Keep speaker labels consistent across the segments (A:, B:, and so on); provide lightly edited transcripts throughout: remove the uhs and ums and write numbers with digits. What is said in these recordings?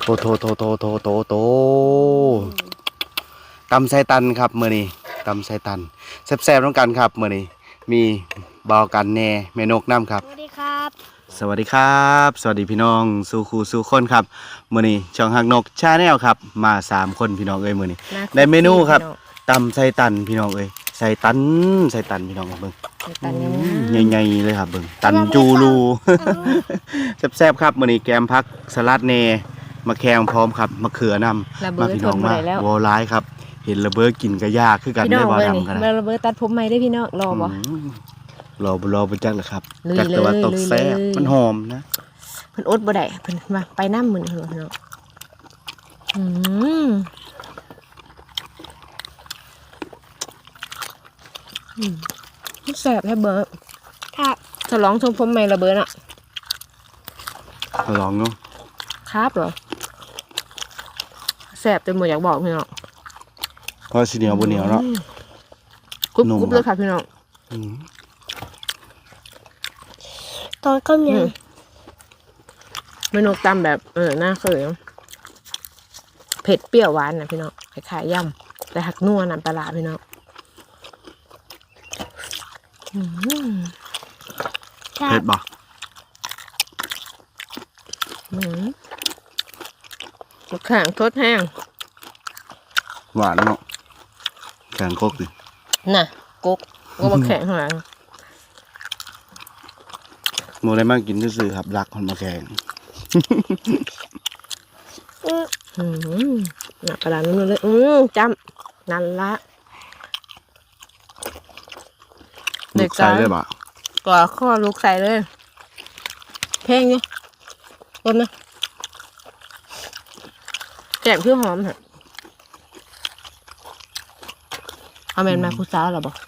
A: โตตำไส้ตันครับมื้อนี้ตำไส้ตันแซ่บๆต้องกันครับมื้อนี้มีบ่าวกันแน่แม่นกน้ำครับ
B: สวัสดีครับ
A: สวัสดีครับสวัสดีพี่น้องสู่ครูสู่คนครับมื้อนี้ช่องหักนกชาแนลครับมา3คนพี่น้องเอ้ยมื้อนี้ได้เมนูครับตำไส้ตันพี่น้องเอ้ยไส้ตันพี่น้องเบิ่ง
B: ตัน
A: ใหญ่ๆเลยครับเบิ่งตันจูรูแซ่บๆครับมื้อนี้แกมผักสลัดแหน่มะแขงพร้อมครับมะเขือนำมาพี่น้องมาวอร้ายครับเห็นระเบิดกินก็ยากคือกันได้บ่ดำกันนะ
B: ระเบิดตัดผมใหม่ได้พี่น้องรอบ่
A: รอบ่จักเลยครับ
B: ลุย
A: จักแต่ว่า
B: เลย
A: ตกแซ่บ
B: ลุยเลย
A: มันหอมนะ
B: เพิ่นอดบ่ได้เพิ่นมาไปน้ำมื้อนี้พี่น้องแซ่บแท้เบิร์ดครับฉลองชมผมใหม่ระเบิดอ่ะ
A: ลองเนาะ
B: ครับเหรอแซ่บจนหมดอยากบอกพี่น้อง
A: เพราะสิเหนียวบ่เหนียวเนาะ
B: กรุบ
A: นุ่ม
B: กรุบเลยค่ะพี่น้อง
C: ตอนก็ยัง
B: เมนูตำแบบหน้าเคยเผ็ดเปรี้ยวหวานนะพี่น้องคล้ายๆยำแต่หักนัวน้ำปลาร้าพี่น้อง
C: ครั
A: เผ็
C: บ
A: ดบ่
B: แข็งทดแห้ง
A: หวานเนาะแข็งคกดิ
B: น่ะกุ๊กก็มาแข็งข้างหลัง
A: โมได้มากินซื่อๆครับรักคนมาแข่ง
B: น่ะปลาร้านุ่มๆเลยจำนั่นละ
A: ลูกใส่เลยบ่
B: ก่อข้อลูกใส่เลยแพงเนี่ยต้นนะแกงเพื่อหอมเหรอเอาแมนมาคุซ่าหรอบอก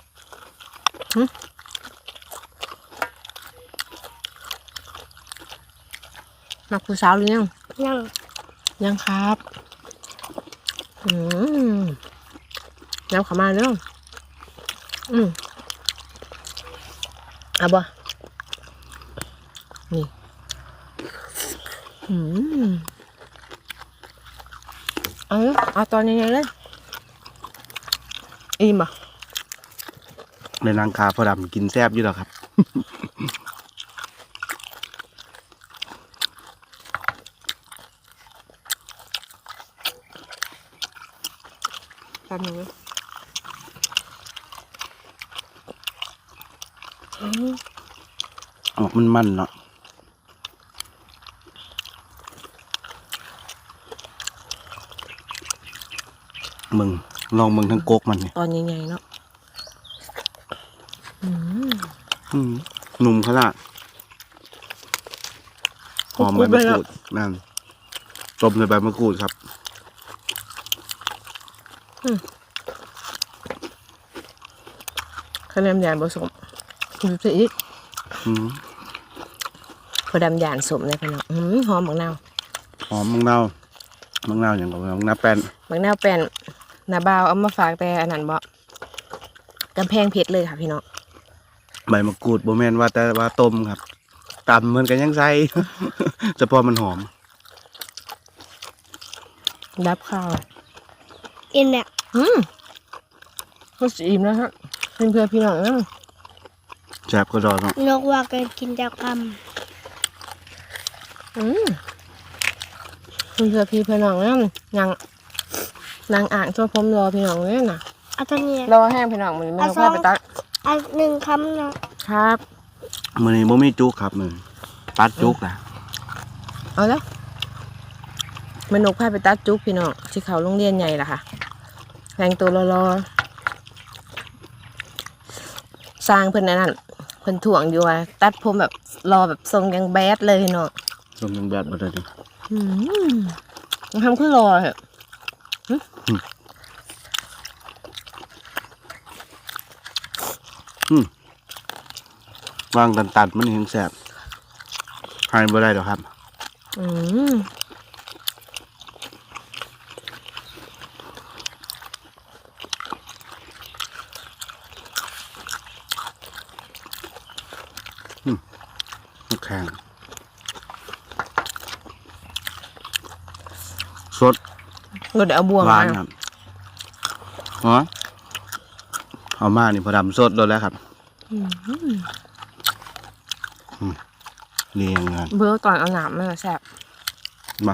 B: มาคุซ่าหรือยัง
C: ยัง
B: ยังครับแล้วขามาเนาะเอาบ่นี่เอาตอนยังไงเลยอิ่มบ่
A: ในนางคาพอดำกินแซ่บอยู่แล้วครับ
B: ตอนนี้
A: ออกมันเนาะมึงลองมึงทั้งกกมันเนี่ย
B: ตอนยังไงเนาะ
A: หนุ่มขนาดหอมใบมะกรูดนั่นต้มในใบมะกรูดครับ
B: คะแนนยานผสมดูสิอีก พอดำยานสมเลยพี่น้องหอมบักนาว
A: หอมมังนาวอย่างกับมังนาวแป้น
B: บักนาวเป็นนาบาวเอามาฝากแต่อันนั้นบ่กำแพงเพชรเลยค่ะพี่น้อง
A: ใบมะกรูดโบแมนว่าแต่ว่าต้มครับตำเหมือนกันยังใส่ แต่พอมันหอม
B: ดับข้าว
C: อินเนี่ย
B: ก็สีอิ่มแล้วฮะเพื่อนพี่น้องนะ
A: แซ่บก็ดอเนาะ
C: นกว่ากันกินจากค
B: เพื่อนพี่น้องนะนางอ่างตัวผมรอพี่น้องเลยนะ
C: ำเอาตัวนี้
B: รอแห้งพี่น้องมันไม่ต้องพาไปตัด
C: เอาหนึ่งคำเนาะ
B: ครับ
A: มื้อนี้บ่มีจุกครับมื้อตัดจุกนะ
B: เอาแล้วแม่นกพาไปตัดจุ๊บพี่น้องที่เขาโรงเรียนใหญ่ล่ะค่ะแต่งตัวรอสร้างเพิ่นนั่นเพิ่นถ่วงอยู่ว่าตัดผมแบบรอแบบทรงยังแบดเลยพี่น้อง
A: ต้มยังแบบบ่ได้ดิ
B: ทำขึ้นรอเหรอ
A: วางตันๆมันยังแซ่บให้บ่ได้ดอกครับ แข็งสด
B: เราได้เอาบวง
A: หวาน
B: มา
A: ครับอ๋อเอามานี่พอดำสดโดนแล้วครับเรียงงาน
B: เบอร์ตอนเอาหนามมันแซ่บ
A: มา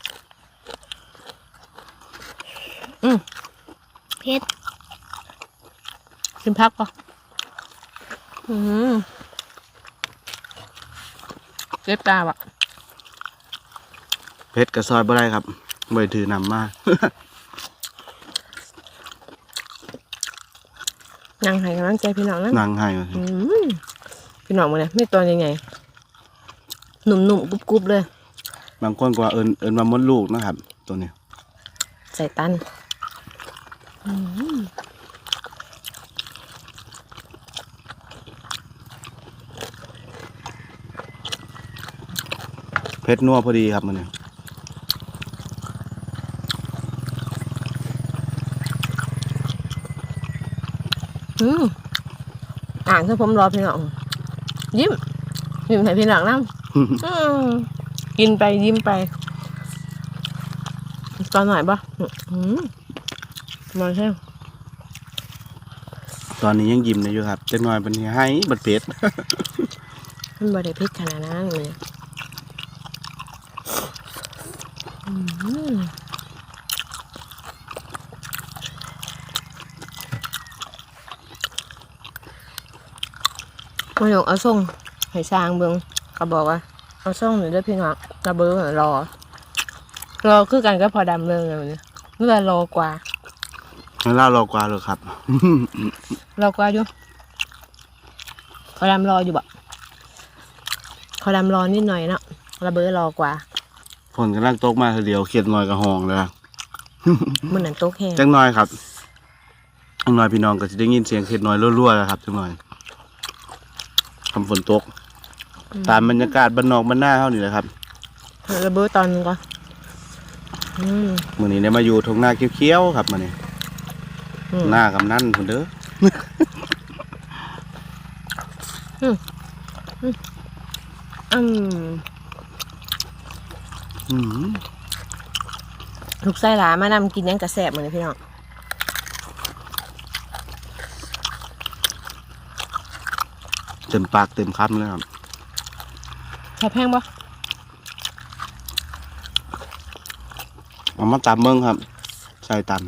C: เผ็ด
B: กินพักปะเล็บตาบะ
A: เพชรกับซอยบ่ได้ครับบ่ได้ถือนำมา
B: นั่งให้กำลังใจพี่น้องนะ
A: นั่งให้
B: พี่น้องมาเลยไม่ตัวยังไงหนุ่มๆกรุบๆเลย
A: บางคนก็ว่าเอิญมามดลูกนะครับ ตัวนี้
B: ใส่ตัน
A: เพชรนัวพอดีครับมันเนี่ย
B: อ่านถ้าผมรอพี่น้องยิ้มให้พี่น้องนั่งกินไปยิ้มไปตอนไหนปะมาใช่
A: ตอนนี้ยังยิ้มอยู่ครับจะน้อยเป็นให้บัดเพชร
B: มันบริพิษขนาดนั้นเลยมาหยกเอาส่งให้สร้างเบิ้งก็บอกว่าเอาส่งหน่อยด้วยพี่น้องระเบิ้งรอคือกันก็พอดำเรื่องเลยเมื่อรอกว่า
A: เล่ารอกว่าเลยครับ
B: รอกว่าอยู่พอดำรออยู่บ่พอดำรอนิดหน่อยเนาะระเบิ้งรอกว่า
A: ฝนกำลังตกมาทีเดียวเขียดน้อยกับห้องเลย
B: มันนั่นโต๊ะแห้ง
A: จังน้อยครับจังน้อยพี่น้องก็จะได้ยินเสียงเขียดน้อยรั่วๆแล้วครับจังน้อยคำฝนตกตามบรรยากาศบ้านนอกบ้านหน้าเท่านี้แหละครับ
B: ระเบิ้งตอนนึงก่อน
A: มื้อนี้ได้มาอยู่ทงหน้าเขียวๆครับมื้อนี้หน้ากำนันพุ่นเด้อ
B: ลูกไส้หลามานำกินยังกระแสบเหมือนพี่น้อง
A: เต็มปากเต็มคำเลยครับ
B: แซ่บแห้งปะ
A: เอามาตำเมืองครับใส่ตัน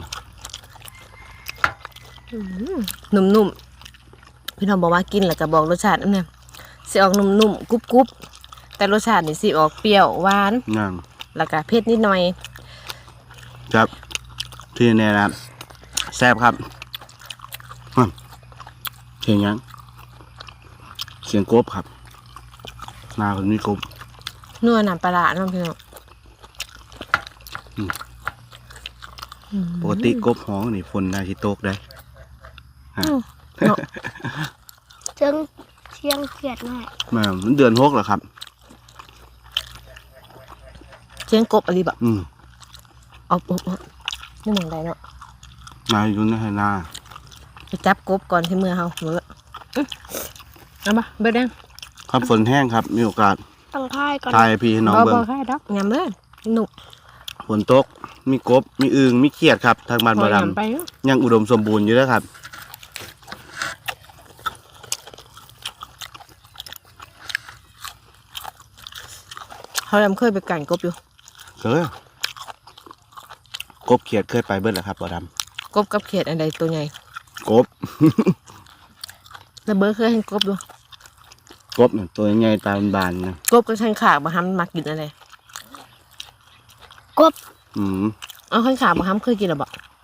B: นุ่มๆพี่น้องบอกว่ากินแล้วก็บอกรสชาตินั่นเนี่ยสิออกนุ่มๆกรุบๆแต่รสชาตินี่สิออกเปรี้ยวหวาน
A: นั่น
B: แล้วก็เผ็ดนิดหน่อย
A: ครับที่นี่นะครับแซ่บครับเสียงยังเสียงกบครับหน้าคนนี้กบ
B: นัวน้ำปลาร้าเน้องพี่น้อง
A: ปกติกบห้องนี่ฝนได้ที่โต๊ะได้
B: เนาะ
C: เชิงเชียงเขียดหน่อย
A: มันเดือน6เหรอครับ
B: เชียงกบอะไรแบบ
A: อืม
B: เอานี่มองได้เนาะ
A: มาอยู่ในไหนา
B: ไปจับกบก่อนที่มือเฮาเมื่อเอามาเบิดแดง
A: ครับฝนแห้งครับ มีโอกาส
C: ต้องพ่ายก่อน
A: ทายพี่ให้น้องเบิ่ง
B: แค่ดอกยำเลยหนุก
A: ฝนตกมีกบมีอึ่งมีเขียดครับทางบ้านบ่ด
B: ยำไปเนาะ
A: ำยังอุดมสมบูรณ์อยู่แล้วครับ
B: เขายำเคยไปกั่นกบอยู่
A: เคยกบเขียดเคยไปเบิดแล้วครับบ่ด
B: กบกับเขียดอันใดตัวใหญ่
A: ำกบ
B: แล้วเบิร์เคยเห็นกบอยู่
A: กบเนี่ยตัวใหญ่ตาบานๆนะ
B: กบกับขันขาบะฮัมมักกินอะไร
C: กบ
A: อืม
B: เอาขันขาบะฮัมเคยกินหรอบ่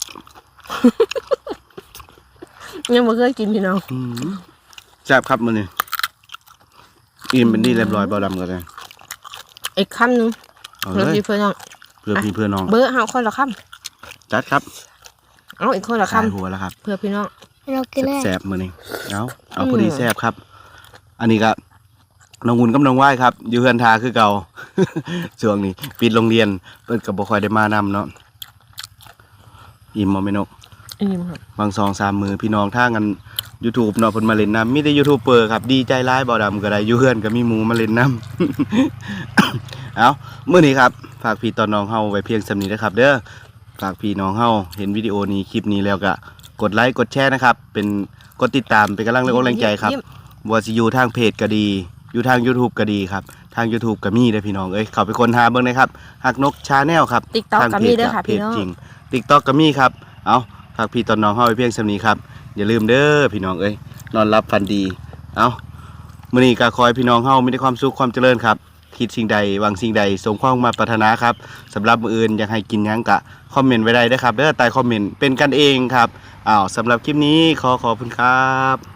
B: ยังบ่เคยกินพี่น้อง
A: แซ่บครับมื้อนี้อิ่มเป็นที่เรียบร้อยบ่ดำกันเลย
B: อีกคำหนึง
A: เอา
B: เพื่
A: เล
B: อย พี่เพื่อนน้อง
A: เพื่อพี่เพื่อน้อง
B: เบอร์เฮาคนละค
A: จัดครับ
B: ำเอาอีกคนละ
A: ขาย
B: คำ
A: หัวแล้วครับ
B: เพื่อพี่น้อง
C: เรากินได้
A: แซ่บมื้อนี้เอาพอดีแซ่บครับ อันนี้ก็น้องหุ่นกับน้องไหว้ครับ อยู่เฮือนทาคือเก่า ช่วงนี้ปิดโรงเรียนเพิ่นก็บ่ค่อยได้มานำเนาะอิ่มบ่แม่นก
B: อิ่มครับ
A: บาง2-3มื้อพี่น้องทางกัน YouTube เนาะเพิ่นมาเล่นน้ำมีแต่ยูทูบเบอร์ครับดีใจร้ายบ่ดำก็ได้อยู่เฮือนก็มีหมูมาเล่นน้ำ เอามื้อนี้ครับฝากพี่ตอนน้องเฮาไว้เพียงสำนี้นะครับเด้อฝากพี่น้องเฮาเห็นวิดีโอนี้คลิปนี้แล้วก็กดไลค์กดแชร์นะครับเป็นกดติดตามเป็นกำลังแรงใจครับว่าสิอยู่ทางเพจก็ดีอยู่ทาง YouTube ก็ดีครับทาง YouTube ก็มีเด้อพี่น้องเอ้ยเข้าไปค้นหาเบิ่งนะครับฮักนกชาแนลครับ
B: TikTok
A: ทาง
B: ก็
A: เพ
B: มี
A: จ
B: เด้อค่ะ
A: เพ
B: พี่
A: จ
B: น้อง
A: จริง TikTok ก็มีครับเอาฝากพี่ตอนน้องเฮาไว้เพียงสำนี้ครับอย่าลืมเด้อพี่น้องเอ้ยนอนรับฝันดีเอามื้อนี้ก็ขอให้พี่น้องเฮามีแต่ความสุขความเจริญครับคิดสิ่งใดหวังสิ่งใดสมความมาปรารถนาครับสำหรับมื้ออื่นอยากให้กินหยังกะคอมเมนต์ไว้ได้เด้อครับเด้อใต้คอมเมนต์เป็นกันเองครับสำหรับคลิปนี้ขอบคุณครับ